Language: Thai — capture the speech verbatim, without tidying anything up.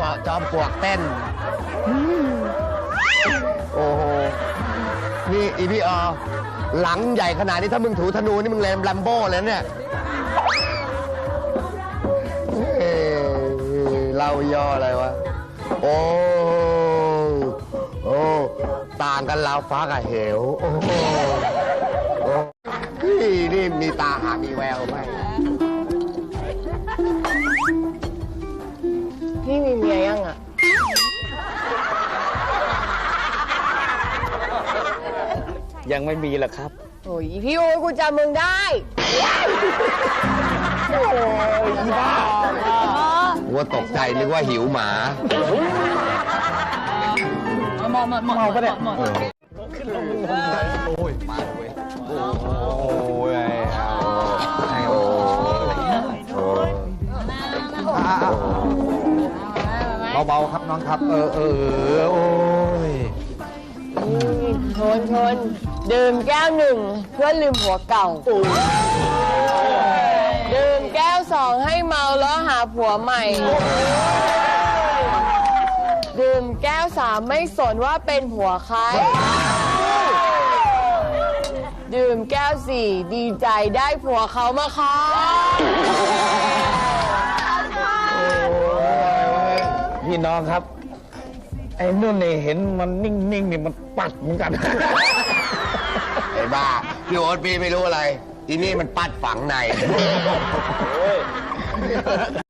จอมปลวกเต้นโอ้โหนี่อีพี่ออหลังใหญ่ขนาดนี้ถ้ามึงถูธนูนี่มึงเลมแลมโบ้เลยเนี่ยเอ้เล่าย่ออะไรวะโอ้โอ้ต่างกันราวฟ้ากับเหวโอ้โหนี่นี่มีตาหามีแววไหมพี่มีเมียยังอ่ะยังไม่มีหรอกครับโอ้ยพี่โอ้ยกูจำมึงได้โอ้ยอีบ้าว่าตกใจนึกว่าหิวหมาเมาเมาปะเนี่ยขึ้นลงโอ้ยมาเว้ยโอ้ยโอ้ยเบาๆครับน้องครับเออเออโอ้ยชนชนดื่มแก้วหนึ่งเพื่อลืมหัวเก่าดื่มแก้วสองให้เมาแล้วหาผัวใหม่ดื่มแก้วสามไม่สนว่าเป็นผัวใครดื่มแก้วสี่ดีใจได้ผัวเขามาค่ะพี่น้องครับไอ้นุ่นเนี่ยเห็นมันนิ่งๆนี่มันปัดเหมือนกันไอ้บ้าพี่โอ๊ตพี่ไม่รู้อะไรทีนี่มันปัดฝังใน